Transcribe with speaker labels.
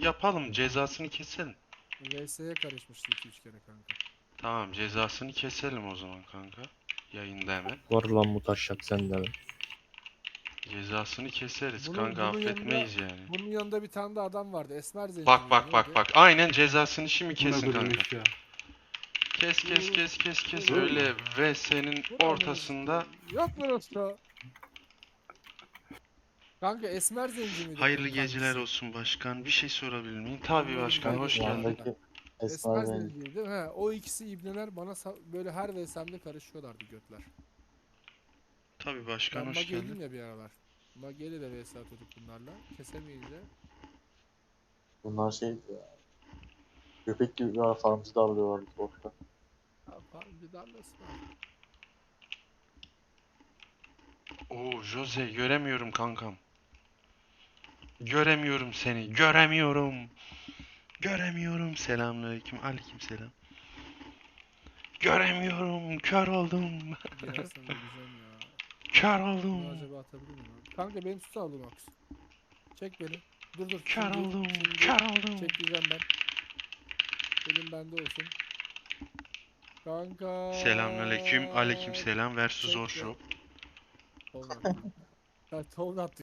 Speaker 1: yapalım. Cezasını keselim.
Speaker 2: VS'ye karışmıştı 2-3 kere kanka.
Speaker 1: Tamam, cezasını keselim o zaman kanka. Yayında hemen.
Speaker 3: Var lan bu taşak sende mi?
Speaker 1: Cezasını keseriz
Speaker 2: Bunun-
Speaker 1: kanka,
Speaker 2: bunun
Speaker 1: affetmeyiz yani.
Speaker 2: Bunun yanında bir tane de adam vardı. Esmer zenci
Speaker 1: Bak
Speaker 2: miydi,
Speaker 1: bak bak
Speaker 2: neydi?
Speaker 1: bak. Aynen cezasını şimdi
Speaker 4: Buna
Speaker 1: kesin
Speaker 4: koydum
Speaker 1: kanka.
Speaker 4: eşya.
Speaker 1: Kes.
Speaker 2: Vur.
Speaker 1: Öyle VS'nin
Speaker 2: Vur
Speaker 1: ortasında.
Speaker 2: amına sikeyim. Yok lan usta. Kanka Esmer zenci miydi?
Speaker 1: Hayırlı
Speaker 2: bunun
Speaker 1: geceler
Speaker 2: kankisi?
Speaker 1: olsun başkan. Bir şey sorabilir miyim? Tabii
Speaker 2: Bunların
Speaker 1: başkan,
Speaker 2: bir
Speaker 1: hoş
Speaker 2: tane-
Speaker 1: geldin.
Speaker 3: Yandaki
Speaker 2: Esmer
Speaker 3: Esmer Zenci.
Speaker 2: zenci değil mi? He, o ikisi ibneler bana böyle her VS'mde karışıyorlardı götler.
Speaker 1: Tabii başkan,
Speaker 2: Ben
Speaker 1: hoş
Speaker 2: Mage'ydim
Speaker 1: geldin.
Speaker 2: ya bir aralar. Mage'yle de VS atıyorduk bunlarla. Kesemeyince.
Speaker 3: Bunlar şeydi ya. Köpek gibi bir farmcı darlıyorlardı orada.
Speaker 2: Ha, bir darlasın abi.
Speaker 1: Oo Jose, göremiyorum kankam. Göremiyorum seni. Göremiyorum. Selamünaleyküm. Aleykümselam. Göremiyorum. Kör oldum.
Speaker 2: Girersen de güzel ya.
Speaker 1: Kör
Speaker 2: Bunu
Speaker 1: oldum.
Speaker 2: acaba atabilir miyim abi? Kanka benim tutu aldım Aks. Çek beni. Dur.
Speaker 1: Kör oldum.
Speaker 2: Şimdi
Speaker 1: Kör oldum.
Speaker 2: çekeceğim ben. Elim bende olsun. Kanka.
Speaker 1: Selamünaleyküm. Aleykümselam versus
Speaker 2: Çek
Speaker 1: Orshop.
Speaker 2: Tovun attı. Ya tovun attı.